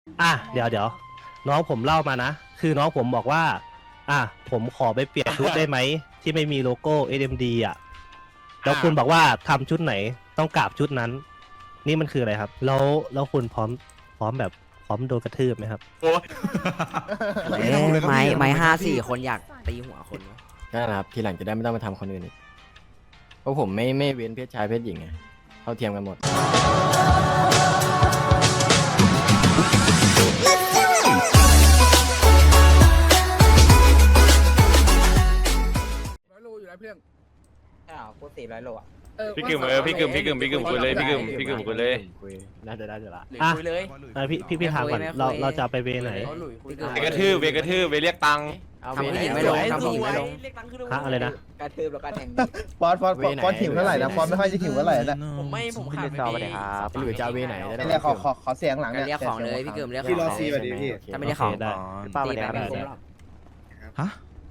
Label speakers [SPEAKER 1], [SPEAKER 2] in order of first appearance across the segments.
[SPEAKER 1] เดี๋ยวน้องผมเล่ามานะคือน้องผมบอกว่าผมขอไปเปลี่ยนชุดได้ไหมที่ไม่มีโลโก้ SMD อ่ะแล้วคุณบอกว่าทำชุดไหนต้องกราบชุดนั้น นี่มันคืออะไรครับแล้วคุณพร้อมแบบพร้อมโดนกระทืบไหมครับ
[SPEAKER 2] โอ้ย
[SPEAKER 3] ไม้5-4 คนอยากตีหัวคนวะ
[SPEAKER 4] นั่นแหละครับทีหลังจะได้ไม่ต้องมาทำคนอื่นอีกเพราะผมไม่เว้นเพศชายเพศหญิงไงเท่าเทียมกันหมด
[SPEAKER 5] 100 โลอยู่แล้วเพื่อน
[SPEAKER 3] พูด400 โลอ่ะ
[SPEAKER 2] พี่กึ่มพี่กึ่มคุยเลยพี่กึ่มคุยเลย
[SPEAKER 4] คุยน่าจะได้จะละ
[SPEAKER 3] หรือคุยเลย
[SPEAKER 1] พี่ถามก่อนเราจะไปเวไหน
[SPEAKER 2] เวกระทืบเวเรียกตังค์
[SPEAKER 4] เอา
[SPEAKER 3] ทำ
[SPEAKER 4] เว
[SPEAKER 3] ผู้
[SPEAKER 4] ไหน
[SPEAKER 3] หญิงไม่ลงทำผู้หญิงไม่ลง
[SPEAKER 1] ฮะอะไรนะ
[SPEAKER 3] กระทืบแล้วก็แทง
[SPEAKER 6] ฟอนหิวเท่าไหร่นะฟอนไม่ค่อยจะหิวเท่าไหร่นะ
[SPEAKER 3] ผมขาดไปเลยครับ
[SPEAKER 4] หรือจะเอาเวไหนจะได้
[SPEAKER 6] เนี่ยขอเสียงหลังเนี่ย
[SPEAKER 3] เรียกของเลยพี่เกิมเรียกของ
[SPEAKER 6] พี่รอ
[SPEAKER 3] เลย
[SPEAKER 6] ซีแบบนี้พี่
[SPEAKER 3] ถ้าไม่ได้ของ
[SPEAKER 1] ได้
[SPEAKER 3] ตีไปไม่คุ้มหรอก
[SPEAKER 7] ฮะ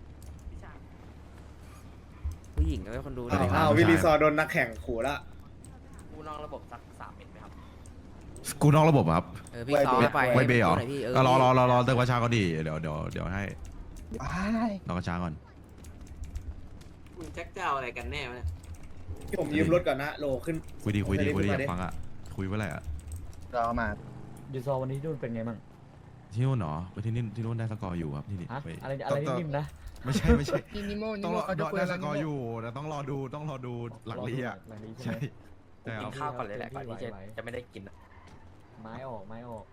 [SPEAKER 3] ผู้หญิงก็ไม่คนดูด้วย
[SPEAKER 6] อ้าววิลีซอโดนนักแข่งขู่ละ
[SPEAKER 3] กูนอกระบบสัก3 เม็ดไหมครับ
[SPEAKER 7] กูนอกระบบครับ
[SPEAKER 3] พี่ซ้อมไป
[SPEAKER 7] ไม่เบย์เหรอ
[SPEAKER 3] พี่
[SPEAKER 7] ก็รอเติมกระชาก่อนดิเดี๋ยวให้
[SPEAKER 6] ว้าย
[SPEAKER 7] รอกระชาก่อน
[SPEAKER 8] คุณแจ็คเจ้าอะไรกันแน่วะเนี่ย
[SPEAKER 6] ผมยืมรถก่อนนะโลขึ้น
[SPEAKER 7] คุยดีอยากฟังอ่ะคุยเมื่อไหร่อ่ะ
[SPEAKER 6] รอมา
[SPEAKER 9] ยูซอวันนี้นู่นเป็นไงบ้าง
[SPEAKER 7] ที่นู่นเหรอไปที่นู่นได้สกอร์อยู่ครับที่นี่
[SPEAKER 9] ฮะ
[SPEAKER 7] ไป
[SPEAKER 9] อะไรนิ่มๆนะ
[SPEAKER 7] ไม่ใช่
[SPEAKER 5] นิโม
[SPEAKER 7] ต้องรอ
[SPEAKER 5] เขาจะคุย
[SPEAKER 7] ได้
[SPEAKER 5] อะไร
[SPEAKER 7] สกอร์อยู่แต่ต้องรอดูหลังลีอ่ะ
[SPEAKER 9] หลังนี้
[SPEAKER 7] ใช่
[SPEAKER 9] ใช่ไหม
[SPEAKER 7] ใช่ค
[SPEAKER 3] กิ
[SPEAKER 7] รั
[SPEAKER 3] น
[SPEAKER 7] บ
[SPEAKER 3] ข้าวก่อนเลยแหละก่อนที่จะไม่ได้กิน
[SPEAKER 9] ไม้ออก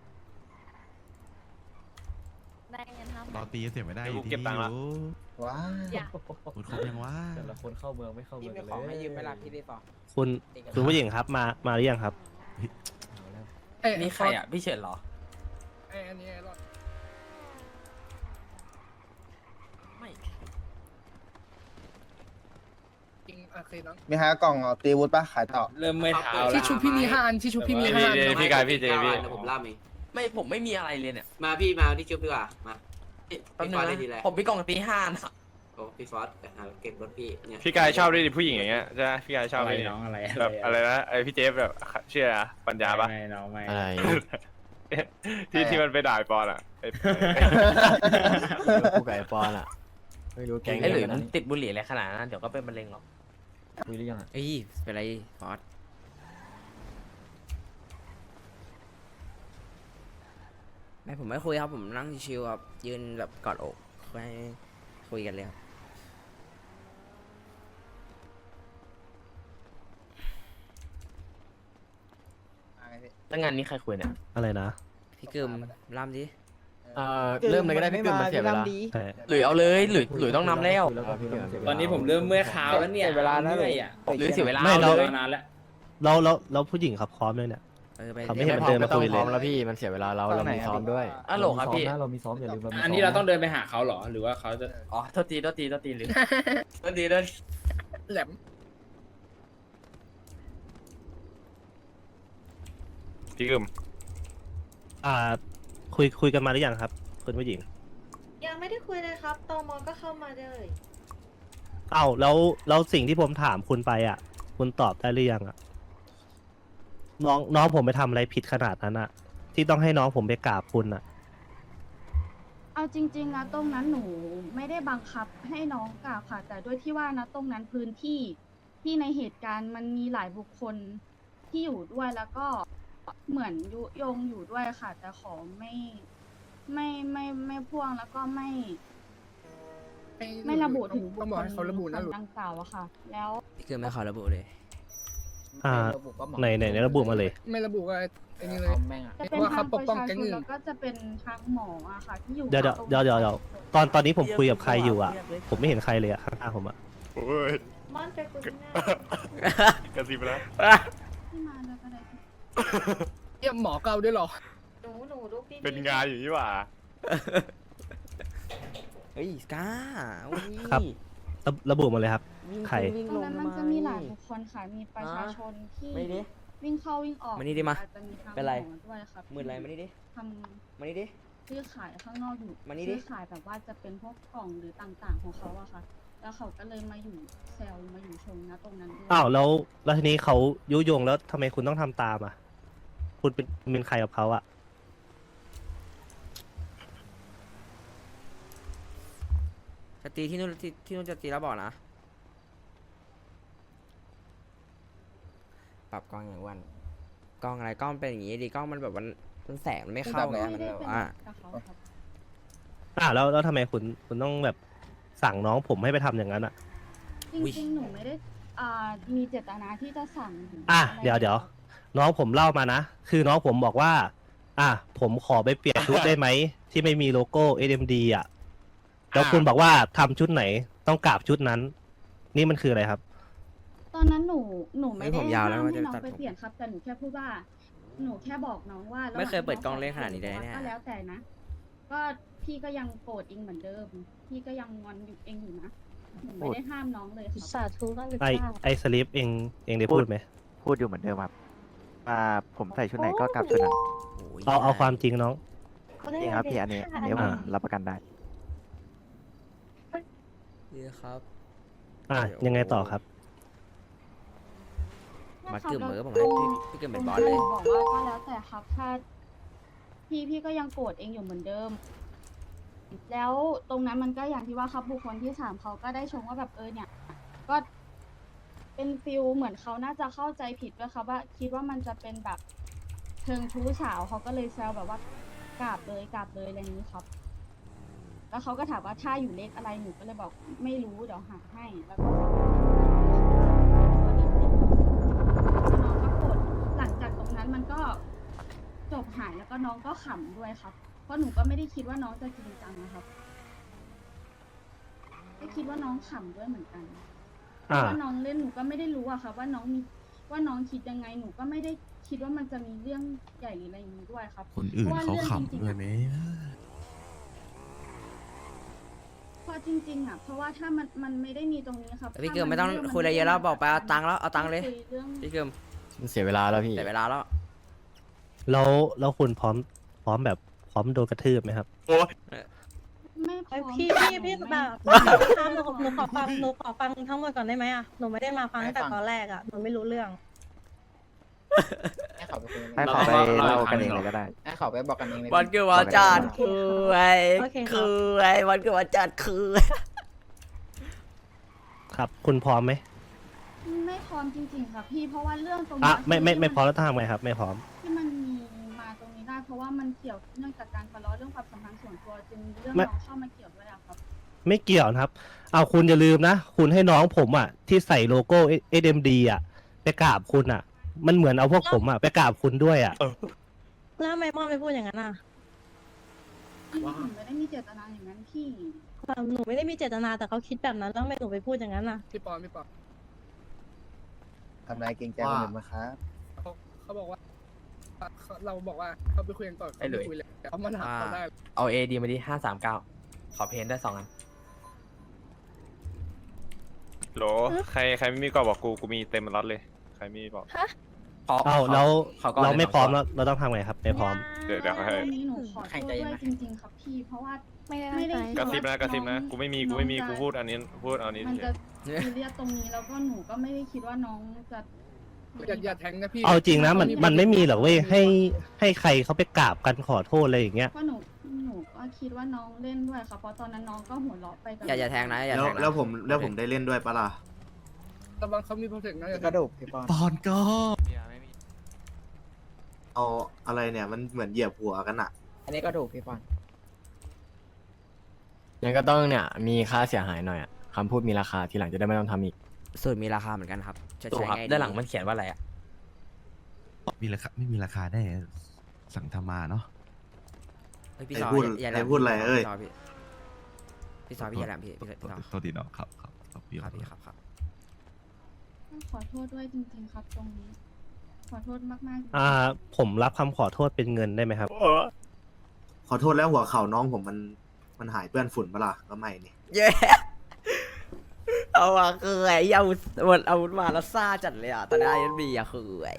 [SPEAKER 10] ได้เงิน5
[SPEAKER 7] รอตีเสียไม่ได้
[SPEAKER 2] เดี๋ยวกู
[SPEAKER 7] ที่
[SPEAKER 2] เก็บตังค์ละ
[SPEAKER 6] ว้าย
[SPEAKER 10] อย่า
[SPEAKER 7] คุณครบยังว่า
[SPEAKER 9] แต่ละคนเข้าเมืองไม่เข้าเมื
[SPEAKER 3] พี่
[SPEAKER 9] อง
[SPEAKER 3] มี
[SPEAKER 9] เลย
[SPEAKER 3] ของให้ยืมเวลาพี่ได้ต่อ
[SPEAKER 1] คุณผู้หญิงครับมาหรือยังครับ
[SPEAKER 9] เอาแล้ว
[SPEAKER 3] นี่ใครอ่ะพี่เฉินเหรอ
[SPEAKER 5] อันนี้รอด
[SPEAKER 3] ไม่
[SPEAKER 5] จริงโอเคน้อง
[SPEAKER 6] มีหากล่องตีวุฒิปะขายต่อ
[SPEAKER 8] เริ่มไม่เท้า
[SPEAKER 5] ที่ชุบพี่มี5 อันที่ชุบพี่มี5 อัน
[SPEAKER 2] พี่กายพี่เจพี่
[SPEAKER 8] ผมล่ามเอง
[SPEAKER 3] ผมไม่มีอะไรเลยเนี่ย
[SPEAKER 8] มาพี่มาที่ชุบดีกว่ามา
[SPEAKER 3] แป๊บ
[SPEAKER 8] พี่
[SPEAKER 3] นึ
[SPEAKER 8] ฟ
[SPEAKER 3] ง
[SPEAKER 8] อสได้
[SPEAKER 3] นะ
[SPEAKER 8] ทีไร
[SPEAKER 3] ผมมีกล่องตี5นะ
[SPEAKER 8] โอ้พี่ฟอสไปหาเก็บรถพี่เนี่ย
[SPEAKER 2] พี่กายชอบด้วยดิผู้หญิงอย่างเงี้ยใช่ไหมพี่กายชอบด้วยน้องอะไรแบบอะไรนะไอพี่เจฟแบบเชื่อปัญญาปะ
[SPEAKER 4] อะไร
[SPEAKER 2] ที่มันไปด่าปอนอ่ะ
[SPEAKER 4] กูกับไอปอนอ่ะไม่รู้แก๊ง
[SPEAKER 3] ไอ้หลุย
[SPEAKER 4] เดียว
[SPEAKER 3] มั
[SPEAKER 4] กัน น
[SPEAKER 3] ติดบุหรี่อะไรขนาดนั้นเดี๋ยวก็เป็นมะเร็งหรอก
[SPEAKER 9] คุยหรือยังอ่ะ
[SPEAKER 3] เอ้ยเป็นไรฟอสไม่ผมไม่คุยครับผมนั่งชิวๆครับยืนแบบกอดอกไม่คุยกันเลยครับ
[SPEAKER 4] ตั้งงานนี้ใครคุยเนี่ย
[SPEAKER 1] อะไรนะ
[SPEAKER 3] พี่เกิมล่ำดิ
[SPEAKER 4] เริ่มเลยก็ได้พี่กึ่มมันเสียเวลา
[SPEAKER 3] หลุยเอาเลยหลุยต้องนำแล้ว
[SPEAKER 8] ตอนนี้ผมเริ่มเมื่อยขาแล้วเนี่ยเวลาแล้วเลยอ่ะ
[SPEAKER 3] หรือเสียเวลา
[SPEAKER 1] ไม่
[SPEAKER 3] เอาเลย
[SPEAKER 8] นานแล้ว
[SPEAKER 1] แล้วผู้หญิงครับพร้อมเลยเนี่ย
[SPEAKER 3] ไป
[SPEAKER 1] เขาไม่เห็น มันเดินมาคุยเลย
[SPEAKER 4] ไต้องพร้อมแล้วพี่มันเสียเวลาเรามีซ้อมด้วย
[SPEAKER 3] อ่ะโหลครับพี่
[SPEAKER 9] เรามีซ้อมอย่าลืมเรามีซ้อม
[SPEAKER 8] อันนี้เราต้องเดินไปหาเขาเหรอหรือว่าเขาจะ
[SPEAKER 3] อ๋อโทษทีหรือโทษทีโทษที
[SPEAKER 5] แหลม
[SPEAKER 2] พี่กึม
[SPEAKER 1] คุยกันมาหรือยังครับคุณผู้หญิง
[SPEAKER 10] ยังไม่ได้คุยเลยครับตมก็เข้ามาเลย
[SPEAKER 1] แล้วสิ่งที่ผมถามคุณไปคุณตอบได้หรือยังน้องผมไปทำอะไรผิดขนาดนั้นที่ต้องให้น้องผมไปกราบคุณ
[SPEAKER 10] เอาจริงๆนะตรงนั้นหนูไม่ได้บังคับให้น้องกราบค่ะ แต่ด้วยที่ว่านะตรงนั้นพื้นที่ที่ในเหตุการณ์มันมีหลายบุคคลที่อยู่ด้วยแล้วก็เหมือนยุยงอยู่ด้วยค่ะ แต่ขอไม่พ่วงแล้วก็ไม่ระบุถึงบุค
[SPEAKER 5] ต้อง
[SPEAKER 10] ค
[SPEAKER 5] บอก
[SPEAKER 10] ล
[SPEAKER 5] ให้เขาระบุนะหลุย
[SPEAKER 10] ดังกล่าวอะค่ะ แล้ว
[SPEAKER 3] พี่เกิมไม่ขอระบุเลย
[SPEAKER 1] ในระบุมาเลย
[SPEAKER 5] ไม่ระบุว่าไอ้นี่เลย
[SPEAKER 10] จะเป็น
[SPEAKER 5] ว่า
[SPEAKER 10] ทา
[SPEAKER 5] เขา
[SPEAKER 10] ง
[SPEAKER 5] ป
[SPEAKER 10] ป
[SPEAKER 5] ก
[SPEAKER 10] ระ
[SPEAKER 5] ป้อง
[SPEAKER 10] ชา
[SPEAKER 5] แก๊ง
[SPEAKER 10] ชน
[SPEAKER 5] อื่น
[SPEAKER 10] แล้วก็จะเป็นทางหมออะค่ะ ที่อยู่
[SPEAKER 1] เดี๋ยวตอนนี้ผมคุยกับใครอยู่ผมไม่เห็นใครเลยข้างๆผม
[SPEAKER 2] โอ้ย
[SPEAKER 10] ม่อนไปคุยข้างหน้าก
[SPEAKER 2] ระซิบแล้ว
[SPEAKER 10] ที่มาแล้วก็ได้
[SPEAKER 5] เยี่ยมหมอเกาด้วยเหรอ
[SPEAKER 10] หนูลูกดีๆ
[SPEAKER 2] เป็นงานอยู่นี่หว่า
[SPEAKER 3] เฮ้ยกล้าอุ้ย
[SPEAKER 1] ครับ ระบุมาเลยครับ
[SPEAKER 3] วิ่ง
[SPEAKER 1] ใคร
[SPEAKER 3] วิ่ง
[SPEAKER 10] ตรง
[SPEAKER 3] ลง
[SPEAKER 10] นั้นมันจะมีหลายบุคคลค่ะ มีประชาชนที่
[SPEAKER 3] ไม่ดิ
[SPEAKER 10] วิ่งเข้าวิ่งออก
[SPEAKER 3] มานี่ดิมา
[SPEAKER 10] อาจจะมีทาง
[SPEAKER 3] เป็นไร
[SPEAKER 10] หมอด้วยครับ
[SPEAKER 3] มืออะไรมานี่ดิ
[SPEAKER 10] ท
[SPEAKER 3] มานี่ดิ
[SPEAKER 10] ำซื้อขายข้างนอกอยู่
[SPEAKER 3] มานี่ดิ
[SPEAKER 10] ซื้อขายแบบว่าจะเป็นพวกกล่องหรือต่างๆของเขาอะค่ะ แล้วเขาก็เลยมาอยู่เซลล์มาอยู่ชงนะตรงนั้นด้วย
[SPEAKER 1] แล้วทีนี้เขายุยงแล้วทำไมคุณต้องทำตามคุณเป็นใครกับเขา
[SPEAKER 3] จะตีที่นู่นที่นู่นจะตีแล้วบอกนะปรับกล้องอย่างวันกล้องอะไรกล้องเป็นอย่างงี้ดิกล้องมันแบบมันแสงมันไม่เข้าไงมันแบบว่า
[SPEAKER 10] กับเขาครับ
[SPEAKER 1] แล้วทำไมคุณต้องแบบสั่งน้องผมให้ไปทำอย่างนั้นอ่ะ
[SPEAKER 10] จริงๆหนูไม่ได้มีเจตนาที่จะสั่งหรื
[SPEAKER 1] อ่ะ
[SPEAKER 10] ไร
[SPEAKER 1] เดี๋ยวน้องผมเล่ามานะ คือน้องผมบอกว่า ผมขอไปเปลี่ยนชุดได้ไหมที่ไม่มีโลโก้ SMD อ่ะแล้วคุณบอกว่าทำชุดไหนต้องกราบชุดนั้น นี่มันคืออะไรครับ
[SPEAKER 10] ตอนนั้นหนูไม่
[SPEAKER 3] เฮ้ย
[SPEAKER 10] ได้
[SPEAKER 3] ผมยาวแล้ว
[SPEAKER 10] ห้าม
[SPEAKER 3] ว่า
[SPEAKER 10] ให้
[SPEAKER 3] จะ
[SPEAKER 10] น้อง
[SPEAKER 3] ตัด
[SPEAKER 10] ไป
[SPEAKER 3] ผม
[SPEAKER 10] เปลี่ยนครับ แต่หนูแค่พูดว่า หนูแค่บอกน้องว่า
[SPEAKER 3] ไม่เคยเปิดกล้องเล่นขนาดนี้เลยเนี่ย
[SPEAKER 10] ก็แล้วแต่นะ ก็พี่ก็ยังโกรธเองเหมือนเดิม พี่ก็ยังงอนอยู่เองอยู่นะหนูไม่ได้ห้ามน้องเลยครับ
[SPEAKER 11] สาธุมากเลย
[SPEAKER 1] ไอสลิปเองได้พูดไหม
[SPEAKER 6] พูดอยู่เหมือนเดิมครับผมใส่ชุดไหนก็กลับชุดนั้น
[SPEAKER 3] โอ้ย
[SPEAKER 1] เอาความจริงน้อง
[SPEAKER 6] จริงครับพี่อันนี้ผมรับประกันได้
[SPEAKER 3] ดีครับ
[SPEAKER 1] ยังไงต่อครับ
[SPEAKER 3] มาเกือบมือผมให้พี่เกือบเป็นบอสเลย
[SPEAKER 10] หนูบอกว่าก็แล้วแต่ครับถ้าพี่ก็ยังโกรธเองอยู่เหมือนเดิม แล้วตรงนั้นมันก็อย่างที่ว่าครับบุคคลที่สามเขาก็ได้ชมว่าแบบเนี่ย ก็เป็นฟิลเหมือนเขาน่าจะเข้าใจผิดด้วยครับว่าคิดว่ามันจะเป็นแบบเชิงชู้สาวเขาก็เลยแซวแบบว่ากราบเลยอะไรอย่างนี้ครับ แล้วเขาก็ถามว่าถ้าอยู่เลขอะไรหนูก็เลยบอกไม่รู้เดี๋ยวหาให้แล้วก็น้องก็กดหลังจากตรงนั้นมันก็จบหายแล้วก็น้องก็ขำด้วยครับ เพราะหนูก็ไม่ได้คิดว่าน้องจะจริงจังนะครับก็คิดว่าน้องขำด้วยเหมือนกันเพราะว่าน้องเล่นหนูก็ไม่ได้รู้อะค่ะว่าน้องคิดยังไงหนูก็ไม่ได้คิดว่ามันจะมีเรื่องใหญ่หรืออะไรอย่างนี้ด้วยครับ
[SPEAKER 7] คนอื่นเขาขำด้วยไหม
[SPEAKER 10] เพราะจริงๆอ่ะเพราะว่าถ้ามันไม่ได้มีตรงนี้ครับ
[SPEAKER 3] พี่เกือบไม่ต้องคุยอะไรเยอะแล้วบอกไปเอาตังค์แล้วเอาตังค์เลย
[SPEAKER 10] คุเรื่อง
[SPEAKER 3] พี่เกือบ
[SPEAKER 4] มันเสียเวลาแล้วพี่
[SPEAKER 3] แต่เวลาแล้ว
[SPEAKER 1] แล้วคุณพร้อมแบบพร้อมโดนกระทืบไหมครับ
[SPEAKER 10] ไม่พร้อม
[SPEAKER 11] พี่แบบถามหนูขอฟังทั้งหมดก่อนได้ไหมอ่ะหนูไม่ได้มาฟังตั้งแต่ตอนแรกอ่ะหนูไม่รู้เรื่อง
[SPEAKER 6] ให้เขาไปเล่ากันเองเลยก็ได้ ให้เขาไปบอกกันเองเลย
[SPEAKER 3] วันเกือบวันจัดคือไอ้
[SPEAKER 11] โอเคครับ
[SPEAKER 3] คือไอ้วันเกือบวันจัดคือ
[SPEAKER 1] ครับ คุณพร้อมไหม
[SPEAKER 10] ไม่พร้อมจริงๆค่ะพี่เพราะว่าเรื่องตรง
[SPEAKER 1] อ่ะ
[SPEAKER 10] นี้
[SPEAKER 1] ไม่พร้อมแล้วทำไงครับ ไม่พร้อม
[SPEAKER 10] ที่มันมีมาตรงนี้ได้ เพราะว่ามันเกี่ยวเนื่องจากการทะเลาะเรื่องความสัมพันธ์ส่วนตัวจึงเรื่อง
[SPEAKER 1] ไม่
[SPEAKER 10] น้องเข้ามาเกี่ยวด้วยอะครับ
[SPEAKER 1] ไม่เกี่ยวนะครับ เอาคุณอย่าลืมนะ คุณให้น้องผมอ่ะ ที่ใส่โลโก้ SMD อ่ะไปกราบคุณอ่ะ มันเหมือนเอาพวกผมอ่ะไปกราบคุณด้วยอ่ะ
[SPEAKER 11] แล้วทำไมมอไม่พูดอย่างนั้นอ่ะ
[SPEAKER 10] หนูไม่ได้มีเจตนาอย่างนั้นพี่
[SPEAKER 11] หนูไม่ได้มีเจตนาแต่เขาคิดแบบนั้นแล้วทำไมหนูไปพูดอย่างนั้นอ่ะ
[SPEAKER 5] พี่ปอน
[SPEAKER 6] ทำนายเกรงใจคนอื่นมาครับ
[SPEAKER 5] เขาบอกว่าเราบอกว่าเขาไปคุยกันก่อน
[SPEAKER 6] ไอ้หลุย
[SPEAKER 5] คุยเลยเขามาถามเขาได้
[SPEAKER 6] เอา AD มาดิ539 ขอเพนได้2 อัน
[SPEAKER 2] โหลใครไม่มีก็บอกกูมีเต็มรถเลย ใครไม่มีบอก
[SPEAKER 1] เอาแล้วเราไม่พร้อมแล้วเราต้องทำไงครับ ไม่พร้อม
[SPEAKER 2] เดี๋ยวให้
[SPEAKER 10] ตรงนี้หนูขอโทษด้วยจริงๆครับพี่ เพราะว่า
[SPEAKER 11] ไม่ได้
[SPEAKER 10] ไม่ได้
[SPEAKER 2] กระซิบนะกูไม่มีกูพูดอันนี้
[SPEAKER 10] มัน
[SPEAKER 2] เฉ
[SPEAKER 10] จะ
[SPEAKER 2] ย
[SPEAKER 10] ซีเรียสตรงนี้แล้วก็หนูก็ไม่ได้คิดว่าน้องจะ
[SPEAKER 5] อย่าแทงนะพี่
[SPEAKER 1] เอาจริงนะมันไม่มีหรอกเว้ยให้ใครเขาไปกราบกันขอโทษอะไรอย่างเงี้ย
[SPEAKER 10] เพราะหนูก็คิดว่าน้องเล่นด้วยค่ะเพราะตอนนั้นน้องก็หัวเราะไปกับ
[SPEAKER 3] อย่าแทงนะอย่าแทงนะ
[SPEAKER 6] แล้วผมได้เล่นด้วยปะล่ะ
[SPEAKER 5] ระวังเขามีโปรเทคนะอย่าแท
[SPEAKER 6] ก
[SPEAKER 5] ง
[SPEAKER 6] ระดูกพี่ปอน
[SPEAKER 7] ปอนก็
[SPEAKER 6] เอาอะไรเนี่ยมันเหมือนเหยียบหัวกันอะ
[SPEAKER 9] อันนี้ก็ถูกพี่ปอน
[SPEAKER 4] ยังก็ต้องเนี่ยมีค่าเสียหายหน่อยอะคำพูดมีราคาทีหลังจะได้ไม่ต้องทำอีก
[SPEAKER 3] สูตรมีราคาเหมือนกันครับจะใช้ไง
[SPEAKER 6] ด้านหลังมันเขียนว่าอะไรอะ
[SPEAKER 7] มีราคาไม่มีราคาได้สั่งทำมาเนาะ
[SPEAKER 3] พี่ซออย่าแหลม
[SPEAKER 6] พูดอะไรเอ้ย
[SPEAKER 3] พี่ซอพี่อย่าแหลมพี่ซอ
[SPEAKER 7] โทษทีเนาะครับพี่
[SPEAKER 3] ครับพี่ครับ
[SPEAKER 10] ขอโทษด้วยจริงๆครับตรงนี้ ขอโทษมากๆจริงๆ
[SPEAKER 1] ผมรับคำขอโทษเป็นเงินได้ไหมครับ
[SPEAKER 6] ขอโทษแล้วหัวเข่าน้องผมมันหายเปื้อนฝุ่นปะล่ะก็ไม่นี่
[SPEAKER 3] เย้เอาอะคือไอ้อาวุธมาแล้วซ่าจัดเลยอ่ะตอนนี้ISBอะคือไอ้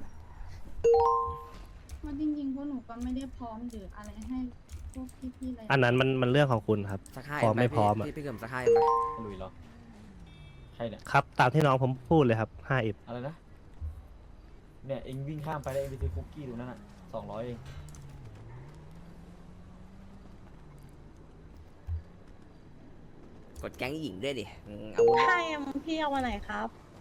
[SPEAKER 10] เพราะจริงๆพวกหนูก็ไม่ได้พร้อมหรืออะไรให้พวกพี่ๆอะไร
[SPEAKER 1] อันนั้นมันเรื่องของคุณครับ
[SPEAKER 3] สักห้า
[SPEAKER 1] พร้อมไม่พร้อมอะ
[SPEAKER 3] พี่เกิมสักห้าไหม
[SPEAKER 9] ลุยเหรอใครเนี่ย
[SPEAKER 1] ครับ ตามที่น้องผมพูดเลยครับ 5F
[SPEAKER 9] อะไรนะ เนี่ยเองวิ่งข้ามไปแล้วเองไปซื้อคุกกี้ตรงนั้นอ่ะ200 เอง
[SPEAKER 3] กดแก๊งหญิงด้วยดิเอาวุธ
[SPEAKER 11] ใช่พี่เอาวันไหนครับ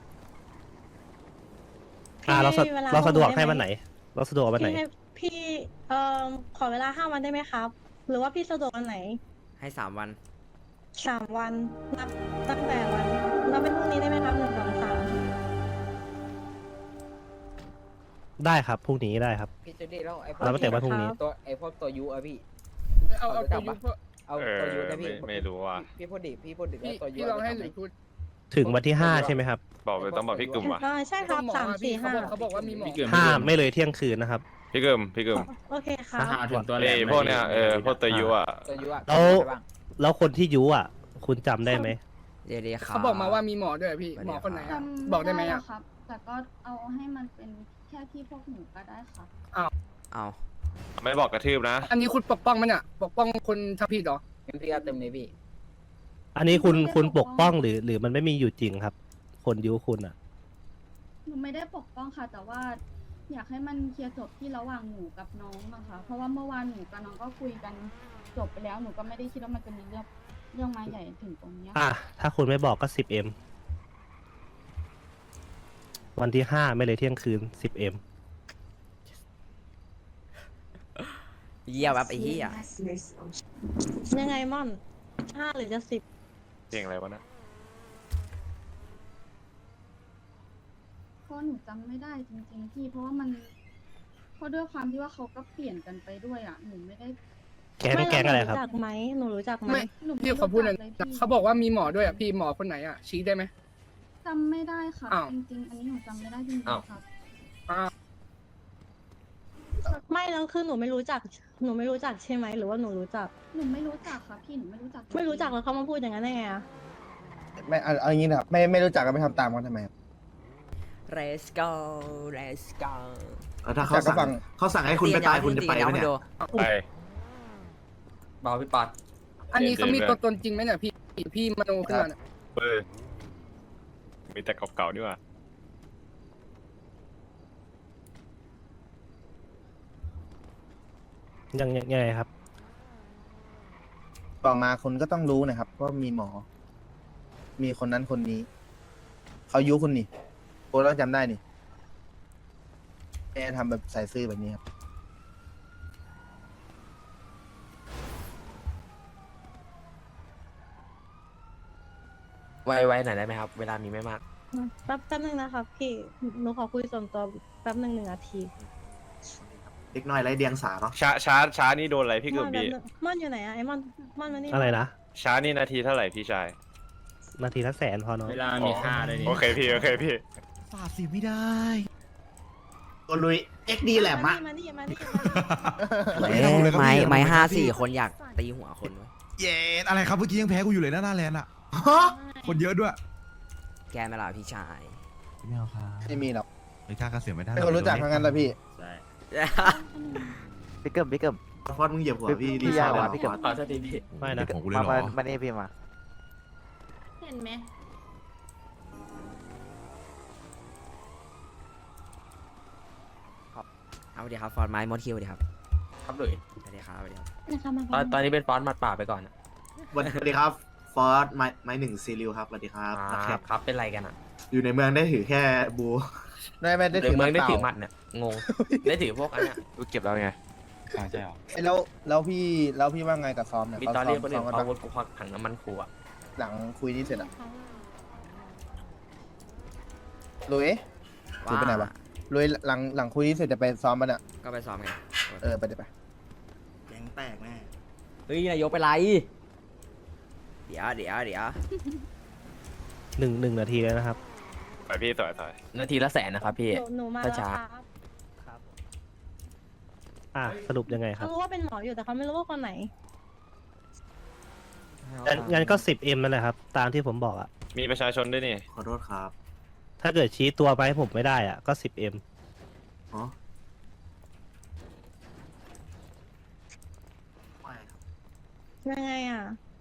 [SPEAKER 1] เรา
[SPEAKER 11] พี่วล
[SPEAKER 1] เราสะดวกให้
[SPEAKER 11] ไ
[SPEAKER 1] วันไหน เราสะดวกวันไหน
[SPEAKER 11] พี่ให้พี่ขอเวลา5 วันได้ไหมครับ หรือว่าพี่สะดวกวันไหน
[SPEAKER 3] ให้3 วัน
[SPEAKER 11] 3 วันนับตั้งแต่วันนับเป็นพรุ่งนี้ได้ไหมครับ1 2 3
[SPEAKER 1] ได้ครับพรุ่งนี้ได้ครับ
[SPEAKER 6] พี่จูดี้แล้วไอ้พว
[SPEAKER 1] เรา
[SPEAKER 6] ก
[SPEAKER 1] ไปแต่ว่าพรุ่งนี้
[SPEAKER 6] ตัวไอ้พวกตัวยูอะพี่
[SPEAKER 5] เอาตัวยูพวก
[SPEAKER 6] เอาตัวยูนะพี่
[SPEAKER 2] ไม่รู้ว่า
[SPEAKER 6] พี่พูดดิพี่พูดดิ
[SPEAKER 5] พี่
[SPEAKER 6] ว่าตัวยู
[SPEAKER 5] พี่ลองให้หลุยพูด
[SPEAKER 1] ถึงวันที่ 5 ใช่ไหมครับ
[SPEAKER 2] บอกเลยต้องบอกพี่กึมว่ะ
[SPEAKER 11] ใช่ครับ
[SPEAKER 5] หมอ
[SPEAKER 11] 3
[SPEAKER 5] พี่
[SPEAKER 11] 4
[SPEAKER 5] เขาบอกว่ามีหมอ
[SPEAKER 1] 5 ไม่เลยเที่ยงคืนนะครับ
[SPEAKER 2] พี่กึม
[SPEAKER 11] 5โอเคครับ
[SPEAKER 2] พวกเนี้ยพวกตัวยูอ่ะ
[SPEAKER 6] ตัวยูอะ
[SPEAKER 1] แล้ว
[SPEAKER 6] ใช่บ้าง
[SPEAKER 1] แล้วคนที่ยุอ่ะ คุณจำได้ไหม
[SPEAKER 3] เดี๋ยวๆครับ
[SPEAKER 5] เขาบอกมาว่ามีหมอด้วยพี่ หมอคนไหนอะ
[SPEAKER 10] จำ
[SPEAKER 5] บอกได้ไหม
[SPEAKER 10] หร
[SPEAKER 5] อะ
[SPEAKER 10] ครับ แต่ก็เอาให้มันเป็นแค่ที่พวกหนูก็ได้ครับ
[SPEAKER 3] เอา
[SPEAKER 2] ไม่บอกกระทืบนะ
[SPEAKER 5] อันนี้คุณปกป้องมันเนี่ยปกป้องคนทำผิดเหรอ
[SPEAKER 6] งั้นพี่เอาเต็มเลยพี่
[SPEAKER 1] อันนี้คุณปกป้องหรือมันไม่มีอยู่จริงครับ คนยุคุณอ่ะ
[SPEAKER 10] หนูไม่ได้ปกป้องค่ะ แต่ว่า อยากให้มันเคลียร์จบที่ระหว่างหนูกับน้องนะคะ เพราะว่าเมื่อวานหนูกับน้องก็คุยกันจบไปแล้วหนูก็ไม่ได้คิดว่ามันจะมีเรื่องมาใหญ่ถึงตรงเนี้ย
[SPEAKER 1] อ่ะ ถ้าคุณไม่บอกก็ 10M วันที่ 5 ไม่เลยเที่ยงคืน 10M
[SPEAKER 3] เยี่ยแบบไอ้เหี้ย
[SPEAKER 11] ยังไงม่อน5 หรือจะ 10
[SPEAKER 2] เพลงอะไรวะนะ
[SPEAKER 10] เพราะหนูจำไม่ได้จริงๆพี่เพราะว่ามันเพราะด้วยความที่ว่าเขาก็เปลี่ยนกันไปด้วยอ่ะหนูไม่ได้
[SPEAKER 1] แก๊งอะไรครับ
[SPEAKER 11] หนูรู้จักไหมหนูรู้จักไหม
[SPEAKER 5] ไม่
[SPEAKER 10] หนูไม่
[SPEAKER 5] พี่ขอพูดหน่อย
[SPEAKER 10] รู้
[SPEAKER 5] นะ
[SPEAKER 10] จักลย
[SPEAKER 5] เขาบอกว่ามีหมอด้วยอะพี่หมอคนไหนอะชี้ได้ไหม
[SPEAKER 10] จำไม่ได้ค่ะ
[SPEAKER 5] อ้าว
[SPEAKER 10] จริงๆ อันนี้หนูจำไม่ได้จริง
[SPEAKER 5] อ้าว
[SPEAKER 10] ๆครับ
[SPEAKER 11] ไม่แล้วคือหนูไม่รู้จักใช่ไหมหรือว่าหนูรู้จัก
[SPEAKER 10] หนูไม่รู้จักค่ะพี่หนูไม่รู้จัก
[SPEAKER 11] ไม่รู้จักแล้วเขามาพูดอย่างนั้นได้ไงอะ
[SPEAKER 6] ไม่เอาอย่างนี้นะครับไม่รู้จักก็ไม่ทำตามกันทำไมครับ
[SPEAKER 3] Let's go Let's go
[SPEAKER 6] ถ้าเขาสั่ง
[SPEAKER 3] เขาสั่งให้คุณไปตายคุณจะไปไหมเนี่ย
[SPEAKER 2] ไป
[SPEAKER 8] เบาพี่ปัด
[SPEAKER 5] อันนี้เขามีตัวตนจริงไหมเนี่ยพี่มโนขึ้นมาเนี่ย
[SPEAKER 2] เว้ยมีแต่เก่าๆดีกว่า
[SPEAKER 1] ยังไงครับ
[SPEAKER 6] ต่อมาคุณก็ต้องรู้นะครับว่ามีหมอ มีคนนั้นคนนี้ เขายุคุณนี่โอ้ต้องจำได้นี่แกทำแบบใส่ซื่อแบบนี้ครับ
[SPEAKER 8] ไวๆหน่อยได้ไหมครับ เวลามีไม่มาก
[SPEAKER 11] แป๊บนึงนะครับพี่หนูขอคุยส่วนตัวแป๊บนึง1 นาที
[SPEAKER 6] เล็กน้อยไรเดียงสาเนาะ
[SPEAKER 2] ช้านี่โดนอะไรพี่กึมพี่
[SPEAKER 11] ม่อนอยู่ไหนอะไอ้ม่อนมานี่
[SPEAKER 1] อะไรนะ
[SPEAKER 2] ช้านี่นาทีเท่าไหร่พี่ชาย
[SPEAKER 1] นาทีละ100,000พอเนาะ
[SPEAKER 2] เวลามีค่าเลยโอเคพี่
[SPEAKER 7] ฝ่าสิไม่ได้
[SPEAKER 6] ตัวลุย XD แหลมอะ
[SPEAKER 11] มานี่
[SPEAKER 3] ไม้5-4 คนอยากตีหัวคนวะ
[SPEAKER 7] เย็นอะไรครับเมื่อกี้ยังแพ้กูอยู่เลยนะหน้าแลนด์อ่ะ คนเยอะด้วย
[SPEAKER 3] แกไม่ล่ะพี่ชาย
[SPEAKER 7] ไม่เอาครับ
[SPEAKER 6] ไม่มีหรอก
[SPEAKER 7] ไม่กล้าก็เสียไม่ได้
[SPEAKER 6] ไม่คนรู้จักทั้งนั้นแหละพี่
[SPEAKER 4] พี่เกิม
[SPEAKER 6] ฟอดมึงเหยียบหัวพี่
[SPEAKER 4] พี่ยาวอะพี่เกิม
[SPEAKER 8] ขอสักทีพี่
[SPEAKER 1] ไม่นะ
[SPEAKER 7] ของกูเลยเหรอ
[SPEAKER 4] มานี่พี่มา
[SPEAKER 11] เห็นไหม
[SPEAKER 3] เอาเดี๋ยวครับฟอร์ดไม้มดคิวเดี๋ยวครับ
[SPEAKER 8] ครับเลย
[SPEAKER 3] สวัสดีครับสวัสดีครับ
[SPEAKER 11] นะคะมา
[SPEAKER 8] ตอนนี้เป็นฟอนต์มัดป่าไปก่อนนะ
[SPEAKER 6] สวัสดีครับ ฟอร์ดไม้หนึ่งซีริวครับสวัสดีครับ
[SPEAKER 8] ครับเป็นไรกันอ่ะ
[SPEAKER 6] อยู่ในเมืองได้ถือแค่บูได้ไม่ได้
[SPEAKER 8] เดี๋ย
[SPEAKER 6] ถื
[SPEAKER 8] ว
[SPEAKER 6] อ
[SPEAKER 8] เมืองได้ถือห
[SPEAKER 6] มั
[SPEAKER 8] มั
[SPEAKER 6] ด
[SPEAKER 8] ดเนี่ยงง ได้ถือพวกอันเนี้ย
[SPEAKER 2] เก็บแล้วไง
[SPEAKER 7] ใช่หรอ
[SPEAKER 6] แล้วพี่ว่าไงกับซ้อมเนี่ย
[SPEAKER 8] มีตอนเรียกคนอื่น
[SPEAKER 6] กัน
[SPEAKER 8] เอา
[SPEAKER 6] ปะ
[SPEAKER 8] วุธกูควักถังน้ำมันกูอ่ะ
[SPEAKER 6] หลังคุยนี่เสร็จอะลุย
[SPEAKER 3] ว่า
[SPEAKER 6] ลุยไปไหนวะลุยหลังคุยนี่เสร็จจะไปซ้อมมันอะ
[SPEAKER 3] ก็ไปซ้อมไง
[SPEAKER 6] ไปเดี๋ยวไปแกงแตกแน่
[SPEAKER 3] เฮ้ยนายกไปไรเดี๋ยว
[SPEAKER 1] หนึ่งนาทีแล้วนะครับ
[SPEAKER 2] ไปพี่ต่อย
[SPEAKER 8] นาทีละ100,000นะครับพี่
[SPEAKER 11] หนูมาแล้ว
[SPEAKER 8] ช้า
[SPEAKER 11] ครับ
[SPEAKER 1] สรุปยังไงครั
[SPEAKER 11] เขา
[SPEAKER 1] บ
[SPEAKER 11] รู้ว่าเป็นหมออยู่แต่เขาไม่รู้ว่าคนไหน
[SPEAKER 1] งั้นก็ 10M นั่นแหละครับ ตามที่ผมบอกอ่ะ
[SPEAKER 2] มีประชาชนด้วยนี่
[SPEAKER 6] ขอโทษครับ
[SPEAKER 1] ถ้าเกิดชี้ตัวไปให้ผมไม่ได้อ่ะก็ 10M
[SPEAKER 6] อ๋อ
[SPEAKER 11] ยังไงอะ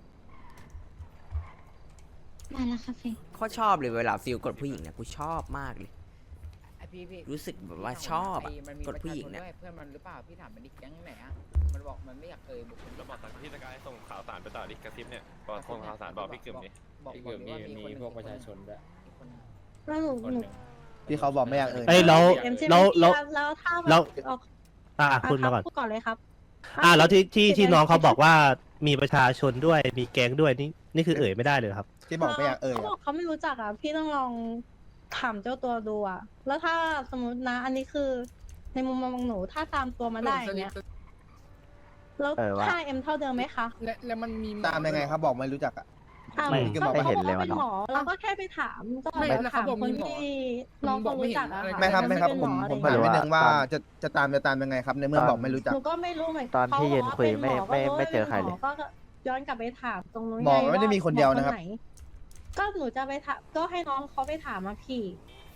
[SPEAKER 11] มาแล้วค่ะเฟย
[SPEAKER 3] โคตรชอบเลยเวลาฟิลกดผู้หญิงเนี่ยกูชอบมากเลย
[SPEAKER 6] ไอพี่
[SPEAKER 3] รู้สึกแบบว่าชอบอะ
[SPEAKER 6] มันมี
[SPEAKER 3] กดผู้หญิงเนี่ย
[SPEAKER 6] ประชาชด้วยเพื่อนมันหรือเปล่าพี่ถามมันดิแก๊งไหนอะ
[SPEAKER 5] มันบอกมันไม่อยากบุคคล
[SPEAKER 2] แล้วบอกตอนที่สกายส่งข่าวสารไปต่อดิกระซิบเนี่ยบอกส่งข่าวสารบอกพี่กึ่มนี่
[SPEAKER 5] บอกมีพวกประชาชนด้วย
[SPEAKER 11] แล้วหนู
[SPEAKER 6] ที่เขาบอกไม่อยากเอ่ย
[SPEAKER 1] เอ้ยแล้ว
[SPEAKER 11] เอ็มใช่ไหม
[SPEAKER 1] แล้ว
[SPEAKER 11] พี่
[SPEAKER 1] แล้ว
[SPEAKER 11] แล้วถ้า
[SPEAKER 1] แล้ว
[SPEAKER 11] ออก
[SPEAKER 1] คุณมาก่อน
[SPEAKER 11] พูดก่อนเลยครับ
[SPEAKER 1] แล้วที่น้องเขาบอกว่ามีประชาชนด้วยมีแก๊งด้วยนี่คือเอ่ยไม่ได้เลยเหรอครับ
[SPEAKER 6] ที่บอกไม่อยากเอ่ย
[SPEAKER 11] เขาบอกเขาไม่รู้จักอ่ะ พี่ต้องลองถามเจ้าตัวดูอ่ะ แล้วถ้าสมมตินะ อันนี้คือในมุมมองของหนูถ้าตามตัวมาได้อย่างเงี้ยแล้วค่าเอ็มเท่าเดิมไหมคะ
[SPEAKER 5] และมันมี
[SPEAKER 6] ตามยังไงครับบอกไม่รู้จักอ่ะ
[SPEAKER 1] ไม่
[SPEAKER 6] ก็บอกว่าเห็นแล้ว
[SPEAKER 11] เป็นหมอเราก็แค่ไปถามก็ไปถามคนที่น้องเขารู้จักอะค่ะ
[SPEAKER 6] ไม่ครับไม่ครับ
[SPEAKER 11] เป็น
[SPEAKER 6] ผม
[SPEAKER 11] หอ
[SPEAKER 6] ผม
[SPEAKER 11] อะ
[SPEAKER 6] ถาม
[SPEAKER 11] ไร
[SPEAKER 6] นิด
[SPEAKER 11] เงี้ย
[SPEAKER 6] นึงว่าจะตามยังไงครับในเมื่อบอกไม่รู้จัก
[SPEAKER 11] หนูก็ไม่รู้เหมือน
[SPEAKER 4] ตอนที่ยืนคุยไม่
[SPEAKER 11] ขาบอกว่า
[SPEAKER 4] ไม่เจอใครเลย
[SPEAKER 11] ก็ย้อนกลับไปถามตรงนู้น
[SPEAKER 6] หมอไม่ได้มีคนเดียวนะครับ
[SPEAKER 11] หมอไหก็หนูจะไปถามก็ให้น้องเขาไปถามมาพี่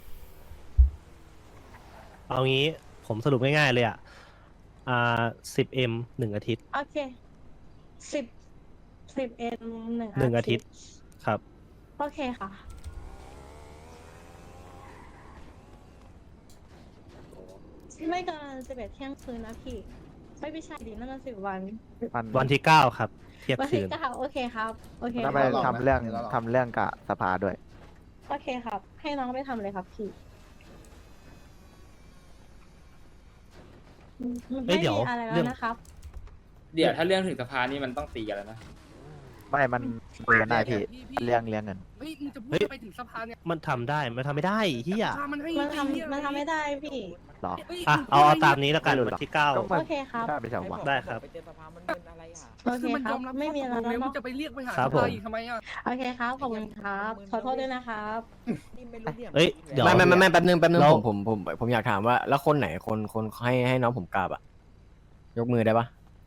[SPEAKER 1] เอางี้ผมสรุปง่ายๆเลย10M 1 อาทิตย์
[SPEAKER 11] โอเค10 เอ็มหนึ่ง
[SPEAKER 1] หนึ่งอาทิตย์ ครับ
[SPEAKER 11] โอเคค่ะ ไม่เกิน11 เที่ยงคืนนะพี่ ไม่ใช่ดินั่นมัน10 วัน
[SPEAKER 1] วันที่9ครับเที่ยง
[SPEAKER 11] วัน
[SPEAKER 1] คื
[SPEAKER 11] ที่
[SPEAKER 1] น
[SPEAKER 11] 9โอเคครับโอเค
[SPEAKER 6] ต้อง
[SPEAKER 11] ค
[SPEAKER 6] ไป
[SPEAKER 11] รับ
[SPEAKER 6] ทำเรื่อง
[SPEAKER 4] กับสภาด้วย
[SPEAKER 11] โอเคครับ ให้น้องไปทำเลยครับพี่
[SPEAKER 1] เอ้ยเดี๋ยว
[SPEAKER 11] ไม่มีอะไร
[SPEAKER 1] เรื่
[SPEAKER 11] แล้
[SPEAKER 1] อง
[SPEAKER 11] วนะครับ
[SPEAKER 8] เดี๋ยวถ้าเรื่องถึงสภานี่มันต้องตีกันแล้วนะ
[SPEAKER 4] ไม่มันคุยกันได้พี่เรื่องเงิน
[SPEAKER 5] เฮ้ยมึงจะพูด
[SPEAKER 1] เฮ้ย
[SPEAKER 5] ไปถึงสภาเนี่ย
[SPEAKER 1] มันทำได้มันทำไม่ได้เฮีย
[SPEAKER 5] สภามันให้
[SPEAKER 11] มันทำไม่ได้พี่
[SPEAKER 4] หรอ
[SPEAKER 5] ฮ้ย
[SPEAKER 1] เอาตามนี้แล้วกัน
[SPEAKER 4] ไม่รู้หร
[SPEAKER 1] วั
[SPEAKER 4] อ
[SPEAKER 1] นที่
[SPEAKER 4] ก็
[SPEAKER 11] โอเคครับ
[SPEAKER 4] ได้ไปสองวัน
[SPEAKER 1] ได้ครับ
[SPEAKER 11] โอเค
[SPEAKER 5] คือมัน
[SPEAKER 11] ค
[SPEAKER 5] ย
[SPEAKER 11] รั
[SPEAKER 5] อบ มรับ
[SPEAKER 11] ไม่มีอะไร
[SPEAKER 5] ข้อตกลง
[SPEAKER 11] แล้ว
[SPEAKER 5] มึง
[SPEAKER 11] เนาะ
[SPEAKER 5] จะไปเรียกไปหา
[SPEAKER 1] ครับ
[SPEAKER 5] ส
[SPEAKER 1] ผม
[SPEAKER 5] ภาอีกทำไมอ่ะ
[SPEAKER 11] โอเคครับ ขอบคุณครับ ขอโทษด้วยนะครับ
[SPEAKER 1] เอ้ยเดี๋ยว
[SPEAKER 4] ไม่แป๊บนึง
[SPEAKER 1] แล้ว
[SPEAKER 4] ผมอยากถามว่าแล้วคนไหนคนให้น้องผมกราบอะยกมือได้ปะ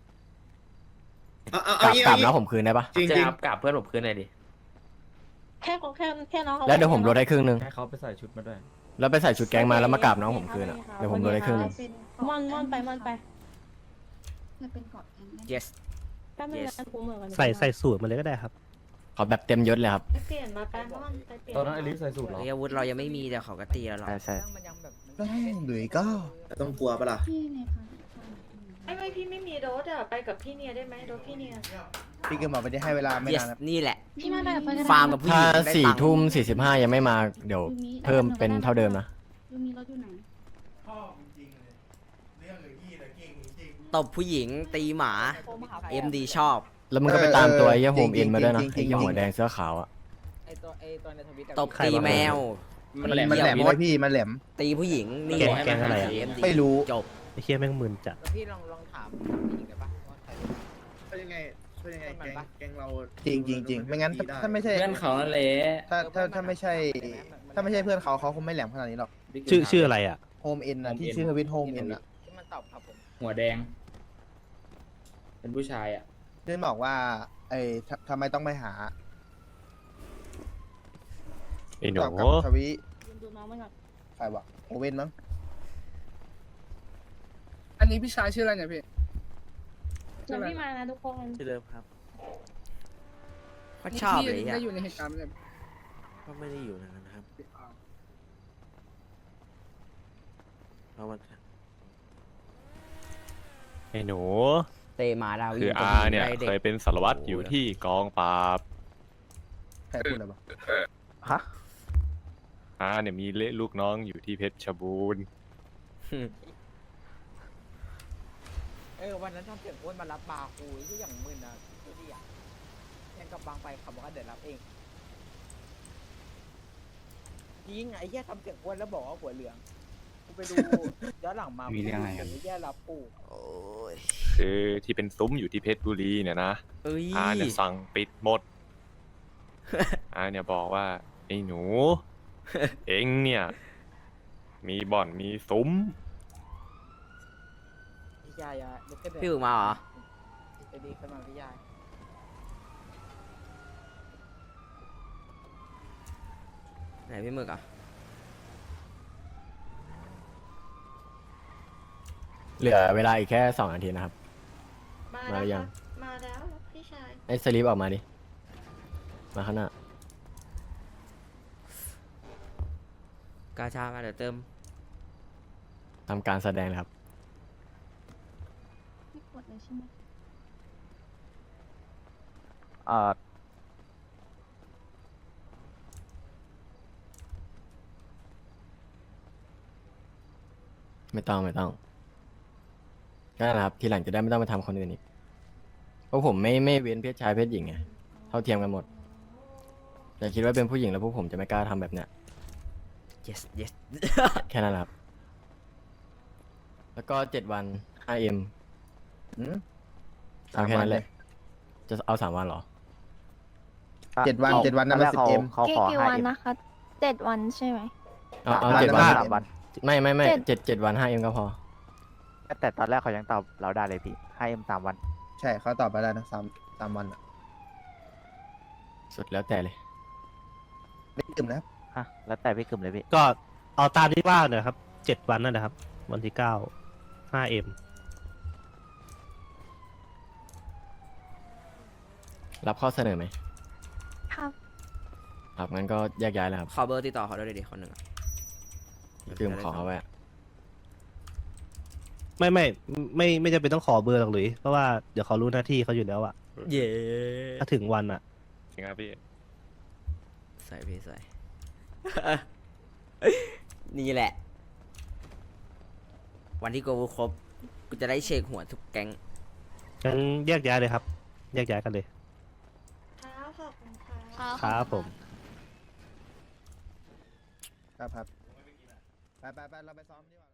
[SPEAKER 4] กราบน้องผมคืนได้ปะ
[SPEAKER 8] จริงๆกับเพื่อนผมคืนหน่อยดิ
[SPEAKER 11] แค่น้องอา
[SPEAKER 4] แล้วเดี๋ยวผมลดให้ครึ่งนึง
[SPEAKER 9] ให้เขาไปใส่ชุดมาด้วย
[SPEAKER 4] แล้วไปใส่ชุดแก๊งมาแล้วมากราบน้องผมคืนอะเดี๋ยวผมลดให้ครึ่งนึง
[SPEAKER 11] ม่อนไป
[SPEAKER 10] มันเป็นเกาะแก๊งได้
[SPEAKER 3] yes
[SPEAKER 11] ก็ไม่งั้นกูเหมือนกัน
[SPEAKER 1] ใส่สูตรมาเลยก็ได้ครับ
[SPEAKER 4] ขอแบบเต็มยศเลยครับ
[SPEAKER 11] ไปเปลี่ยนมาไปม่อนไปเปลี่ยน
[SPEAKER 9] ตอนนั้นไอริสใส่สูตรเหรอ
[SPEAKER 3] เฮ้ยอาวุธเรายังไม่มีแต่เขาก็ตีแล้วหรอ
[SPEAKER 4] ใช่
[SPEAKER 6] หลุยก็
[SPEAKER 8] ต้องกลัวปะล่ะ
[SPEAKER 10] ที่ในครั้ง
[SPEAKER 11] ไม่พี่ไม่มีรถอ่ะไปกับพี่เนียได้ไหมรถพี่เนีย
[SPEAKER 6] พี่ก็บอกไม่ได้ให้เวลาไม่
[SPEAKER 3] yes
[SPEAKER 6] นานครับ
[SPEAKER 3] นี่แหละ
[SPEAKER 10] พี่มาแบบไปก็ได้
[SPEAKER 3] ฟาร์มกับผู้ห
[SPEAKER 4] ถ้า
[SPEAKER 3] ญิงได้ตังค์
[SPEAKER 4] 4 ทุ่ม 45 ยังไม่มาเดี๋ยวเพิ่มเป็นเท่าเดิมนะ
[SPEAKER 10] ยูมีรถอยู่ไหน
[SPEAKER 3] ตบผู้หญิงตีหมา MD ชอบ
[SPEAKER 4] แล้วมึงก็ไปตามตัวไอ้เหี้ย
[SPEAKER 6] เออ
[SPEAKER 4] โฮมอินมาด้วยนะ
[SPEAKER 6] จริงๆ
[SPEAKER 4] ไอ้เหี้ยหัวแดงเสื้อขาวอะ
[SPEAKER 5] ไอตัวในทวิต
[SPEAKER 3] ตบตีแมว
[SPEAKER 6] มันแหลมเลยพี่มันแหลม
[SPEAKER 3] ตีผู้หญิงนี่
[SPEAKER 1] แกงอะไรอะ
[SPEAKER 3] MD
[SPEAKER 6] ไม่รู้
[SPEAKER 3] จบ
[SPEAKER 1] ไอ้เฮียแม่งมึนจัด
[SPEAKER 5] พี่ลองถามผู้หญิงได้ปะว่าใคร
[SPEAKER 12] เป็นยังไงแกงเรา
[SPEAKER 6] จริงไม่งั้นถ้าไม่ใช่
[SPEAKER 8] เพื่อนเขานั่นแหละ
[SPEAKER 6] ถ้าไม่ใช่เพื่อนเขาคงไม่แหลมขนาดนี้หรอก
[SPEAKER 1] ชื่ออะไรอ่ะ
[SPEAKER 6] โฮมเอ็นนะที่ชื่อทวิตโฮมเอ็นอะ
[SPEAKER 5] ที่มันตอบครับผม
[SPEAKER 8] หัวแดง เป็นผู้ชายอ่ะ
[SPEAKER 6] ที่บอกว่าทำไมต้องไปหา
[SPEAKER 2] ไอ้หนู
[SPEAKER 6] ตอบกับทวิ
[SPEAKER 11] ดูน้องมันก่อน
[SPEAKER 6] ใครวะโอเว่นมั้ง
[SPEAKER 5] อันนี้พี่ชายชื่ออะไรเนี่ยพี่
[SPEAKER 11] เดี๋ยวพี่มานะทุกคน
[SPEAKER 3] ชื่อเดิมครับก็ชอบเลย
[SPEAKER 5] พี่
[SPEAKER 3] อ่ะ
[SPEAKER 5] ได้อยู่ในเหตุการณ์ไหมเนี่ย
[SPEAKER 3] ก็ไม่ได้อยู่นะครับเอามา
[SPEAKER 2] ไอ้หนู
[SPEAKER 3] เตมาดาวิ
[SPEAKER 2] คืออาเนี่ยเคยเป็นสารวัตรอยู่ที่กองปราบ
[SPEAKER 6] ใครพูดอะไรวะ
[SPEAKER 4] ฮะ
[SPEAKER 2] อาเนี่ยมีลูกน้องอยู่ที่เพชรบูรณ์
[SPEAKER 5] วันนั้นทำเสียงอ้วนมารับบาร์คูยที่อย่างมึนนะดูดิอ่ะยังกับบางไปขับบอกว่าเดี๋ยวรับเองจริงไอ้แย่ทำเสียงอ้วนแล้วบอกว่าหัวเหลืองกูไปดูย้อนหลังมามีเรื่องอะไรกันแย่รับปู่
[SPEAKER 3] โอ้ย
[SPEAKER 2] คือที่เป็นซุ้มอยู่ที่เพชรบุรีเนี่ยนะ
[SPEAKER 3] เอ้ย
[SPEAKER 2] อาเนี่ยสั่งปิดหมด อาเนี่ยบอกว่าไอ้หนู เอ็งเนี่ย มีบ่อนมีซุ้ม
[SPEAKER 5] พี่ยายอะลุกขึ้น
[SPEAKER 3] พี่อึ่งมาเหรอ
[SPEAKER 5] ไปดีขึ้นมาพี่ยาย
[SPEAKER 3] ไหนพี่หมึกอ่ะ
[SPEAKER 4] เหลือเวลาอีกแค่2 นาทีนะครับ มาหรือยัง
[SPEAKER 11] มาแล้วพี่ชาย
[SPEAKER 4] ไอ้สลิปออกมาดิ มาข้างหน้า
[SPEAKER 3] กาชามาเดี๋ยวเติม
[SPEAKER 4] ทำการแสดงเลยครับ
[SPEAKER 10] ไม่กดเลยใช่ไหม
[SPEAKER 4] ไม่ต้องก็นั่นแหละครับทีหลังจะได้ไม่ต้องมาทำคนอื่นอีกเพราะผมไม่เว้นเพศชายเพศหญิงไงเท่าเทียมกันหมดอย่าคิดว่าเป็นผู้หญิงแล้วพวกผมจะไม่กล้าทำแบบเนี้ย
[SPEAKER 3] yes yes
[SPEAKER 4] แค่นั้นแหละครับ แล้วก็7 วัน5M
[SPEAKER 6] อืม
[SPEAKER 4] เอาแค่นั้นแหละ จะเอา3 วันเหรอ
[SPEAKER 6] 7 วันนั่นมัน10M
[SPEAKER 11] กี่วันนะคะ7 วันใช่ไหม
[SPEAKER 4] เอา
[SPEAKER 6] วัน
[SPEAKER 4] 7 วัน
[SPEAKER 6] ละ3 วัน
[SPEAKER 4] ไม่
[SPEAKER 11] 7
[SPEAKER 4] 7 วัน 5M ก็พอ
[SPEAKER 13] แต่ตอนแรกเขายังตอบเราได้เลยพี่ให้เอ็ม3 วัน
[SPEAKER 6] ใช่เขาตอบไปแล้วนะ3 วันอะ
[SPEAKER 4] สุดแล้วแต่เลย
[SPEAKER 6] ไม่ตื่มนะครับ
[SPEAKER 13] ฮะ แล้วแต่พี่กึ่มเลยพี่
[SPEAKER 1] ก็เอาตามที่ว่าเนี่ยครับ7 วันนั่นแหละครับ วันที่9 5M
[SPEAKER 4] รับข้อเสนอไหม
[SPEAKER 11] ครับ
[SPEAKER 4] ครับงั้นก็แยกย้ายแล้วครับ
[SPEAKER 3] ขอเบอร์ติดต่อเขาด้วยดิคนหนึ่งอะ
[SPEAKER 4] คือผมขอเขาไว้อะ
[SPEAKER 1] ไม่จำเป็นต้องขอเบอร์หรอกหรือเพราะว่าเดี๋ยวเขารู้หน้าที่เขาอยู่แล้วอะ
[SPEAKER 3] เย้
[SPEAKER 1] ถ้าถึงวันอะ
[SPEAKER 2] จริงครับพี่
[SPEAKER 3] ใส่พี่ใส่ นี่แหละ วันที่กูครบกูจะได้เช็คหัวทุกแก๊ง
[SPEAKER 1] งั้นแยกย้ายเลยครับ แยกย้ายกันเลย
[SPEAKER 11] ครับขอบคุณค่ะ
[SPEAKER 1] ครับผม
[SPEAKER 6] ครับไปเราไปซ้อมดีกว่า